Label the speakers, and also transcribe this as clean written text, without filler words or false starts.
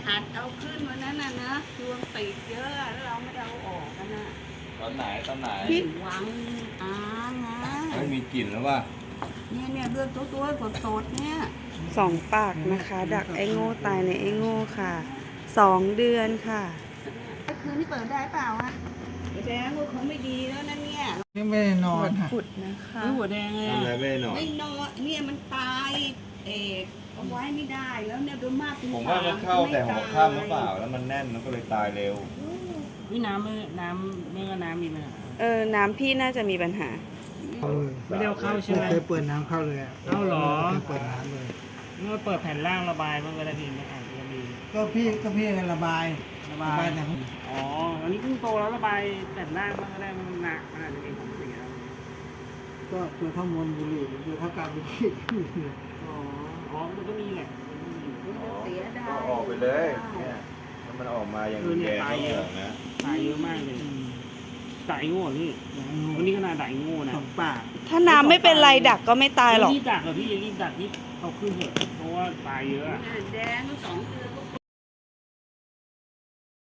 Speaker 1: อัดเอาขึ้นวันนั้นนะดวงติดเยอะแล้วเราไม่ได้เอาออกกันนะ
Speaker 2: ตอนไหน
Speaker 1: ที่หวังอานะ
Speaker 2: ไม่มีกลิ่นแล้วว่า
Speaker 1: เนี่ยเลือดตัวสดๆเนี่ย
Speaker 3: 2 ปากนะคะ ดักไอ้โง่ตายในไอ้โง่ค่ะ 2 เดือนค่ะ
Speaker 1: คืนนี้เปิดได้เปล่าอะแดงว่าเขาไม่ดีแล้วนะเนี่ย
Speaker 4: ยังไม่ได้นอน
Speaker 3: ขุดนะคะ
Speaker 1: หัวแดงเลย
Speaker 2: ทำอะไรไม่ได้หน่อย
Speaker 1: ไม่นอนเนี่ยมันตายเอาไว้ไม่ได้แล้วเนี่ยโดยมาก
Speaker 2: ผมว่ามันเข้าแต่หัวค่ำหรือเปล่าแล้วมันแน่นมันก็เลยตายเร็ว
Speaker 5: พี่น้ำเมื่อน้ำมีปัญหา
Speaker 3: น้ำพี่น่าจะมีปัญหา
Speaker 5: ไม่ได้เอาเข้าใช่ไหม
Speaker 4: ไม่เคยเปิดน้ำเข้าเลยอะ
Speaker 5: เอาเหรอ
Speaker 4: ไม่เคยเปิดน้ำเลย
Speaker 5: เมื่อเปิดแผ่นล่างระบายมันก็ได้พี่ไม่อ่านก็มี
Speaker 4: ก็พี่กันระบาย
Speaker 5: ระบาย
Speaker 4: แต่
Speaker 5: อ๋ออันนี้เพิ่งโตแล้วระบายแผ่นล่างมันก็ได้มันหนักมันอาจจะมีของเสีย
Speaker 4: ก็ตัวข้าวมวลบุหรี่ตัวข้าวกาบุหรี่
Speaker 5: อ๋อมันก็มีแหละมันก็มี
Speaker 1: เสียดาย
Speaker 2: ก็ออกไปเลยเนี่ยถ้ามันออกมาอย่างแดงก็เหลืองนะ
Speaker 5: ตายเยอะมากเลยตายโง่นี่วันนี้ขนาดตายโง่นะ
Speaker 4: 2 ปาก
Speaker 3: ถ้าน้ำไม่เป็นไรดักก็ไม่ตายหรอก
Speaker 5: รีบดักเหรอพี่รีบดักนี่เอาขึ้นเถอะเพราะว่าตายเยอะอะ
Speaker 1: แดง2 เดือนก็